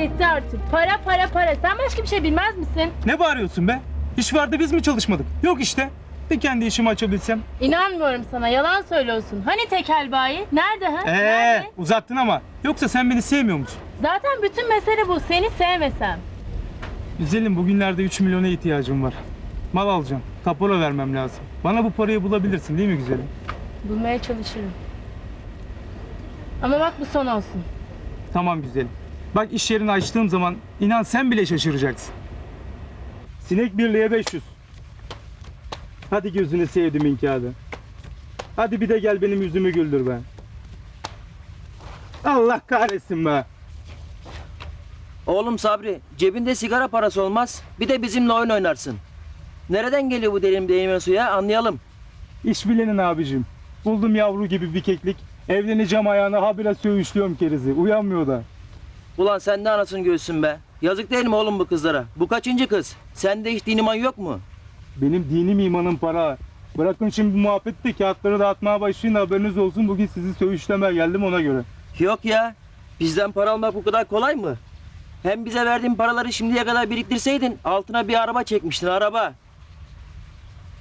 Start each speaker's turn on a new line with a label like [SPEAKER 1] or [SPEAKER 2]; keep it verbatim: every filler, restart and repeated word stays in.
[SPEAKER 1] yetti artık. Para para para. Sen başka bir şey bilmez misin?
[SPEAKER 2] Ne bağırıyorsun be? İş vardı biz mi çalışmadık? Yok işte. Bir kendi işimi açabilsem.
[SPEAKER 1] İnanmıyorum sana. Yalan söylüyorsun. Hani tekel bayi? Nerede ha?
[SPEAKER 2] Ee,
[SPEAKER 1] Nerede?
[SPEAKER 2] uzattın ama. Yoksa sen beni sevmiyor musun?
[SPEAKER 1] Zaten bütün mesele bu. Seni sevmesem.
[SPEAKER 2] Güzelim, bugünlerde üç milyona ihtiyacım var. Mal alacağım. Kapora vermem lazım. Bana bu parayı bulabilirsin değil mi güzelim?
[SPEAKER 1] Bulmaya çalışırım. Ama bak bu son olsun.
[SPEAKER 2] Tamam güzelim. Bak iş yerini açtığım zaman inan sen bile şaşıracaksın. Sinek birliğe beş yüz. Hadi gözünü sevdiğimin kağıdı. Hadi bir de gel benim yüzümü güldür be. Allah kahretsin be.
[SPEAKER 3] Oğlum Sabri, cebinde sigara parası olmaz. Bir de bizimle oyun oynarsın. Nereden geliyor bu derin değirmen suya anlayalım.
[SPEAKER 2] İş bilenin abicim. Buldum yavru gibi bir keklik. Evleneceğim ayağına habire söğüşlüyorum kerizi. Uyanmıyor da.
[SPEAKER 3] Ulan sen de anasını göğsün be. Yazık değil mi oğlum bu kızlara? Bu kaçıncı kız? Sende hiç din iman yok mu?
[SPEAKER 2] Benim dinim imanım para. Bırakın şimdi bu muhabbeti, kağıtları dağıtmaya başlayın, haberiniz olsun. Bugün sizi söğüşlemeye geldim ona göre.
[SPEAKER 3] Yok ya. Bizden para almak bu kadar kolay mı? Hem bize verdiğin paraları şimdiye kadar biriktirseydin altına bir araba çekmiştin araba.